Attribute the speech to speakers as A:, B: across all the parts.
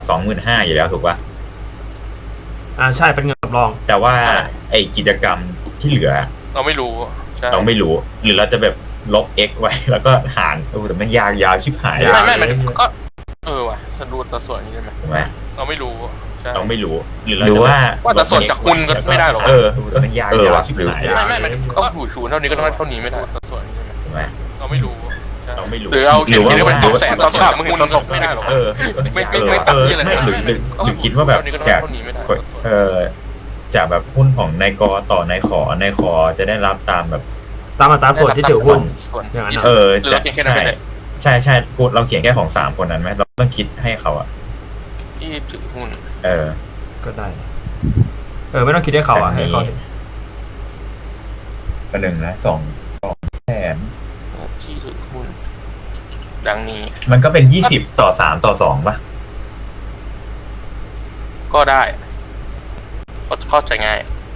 A: 25,000อยู่แล้วถูกป่ะ
B: ใช่เป็นเงินสำรอง
A: แต่ว่าไอกิจกรรมที่เหลือ
C: เราไม่รู้
A: เราไม่รู้หรือเราจะแบบลบ x ไว้แล้วก็หารแต่มันยาวชิบหาย
C: ไม่มันก็ว่ะจะดูแต่ส่วนนี้ได้ไหม
A: ถูกไหม
C: เราไม่รู้
A: เราไม่รู้หรือว่า
C: แต่ส่วนจากคุณก็ไม่ได้หรอก
A: มันยาวชิบหาย
C: ไม่มันก็ถูเท่านี้ก็ต้องเท่านี้ไม่ได้แต่ส่วนนี้
A: ถูกไหม
C: เราไม่รู้
A: ห
C: รือเอาเขียนได้เป็น200,000ตอนฉากมึงคุณศพไม่ได้หรอก
A: ไม่ตัดที่อะไรหรือคิดว่าแบบจากแบบหุ้นของนายกต่อนายขอจะได้รับตามแบบ
B: ตามอัตราส่วนที่ถือหุ้นอย่างนั้น
A: ใช่เราเขียนแค่ของ3คนนั้นไหมเราต้องคิดให้เขาอะ
C: ที่ถือหุ้น
B: ก็ได้ไม่ต้องคิดให้เขาอะให้เขา
A: ก็1นะ200,000
C: ที่ถือหุ้นดังนี้
A: มันก็เป็น20ต่อ3ต่อ2ป่ะ
C: ก็ได้เข้าใจง่าย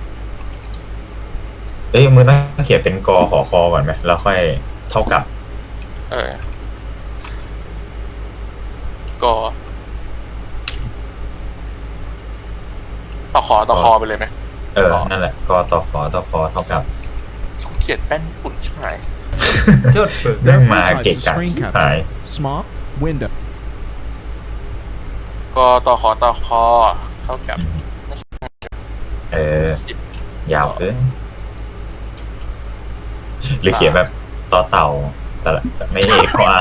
A: มึงต้องเขียนเป็นกขอคอก่อนไหมแล้วค่อยเท่ากับ
C: กต่อคอไปเลยไหม
A: นั่นแหละกต่อคอเท่ากับ
C: เขียนแป้นฝุ่นชิบหาย
A: เรื่องมาเกะกะชิบหาย
D: small window
C: กต่อคอเท่ากับ
A: ยาวเกินหรือเขียนแบบต่อเต่าสระไม่เอกว่า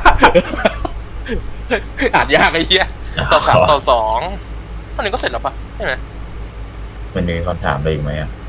C: อ่านยากไอ้เหี้ยต่อ3ต่อ2ตอนนี้ก็เสร็จแล้วปะใช่ไหม
A: มันมีคำถามอะไรอีกไหม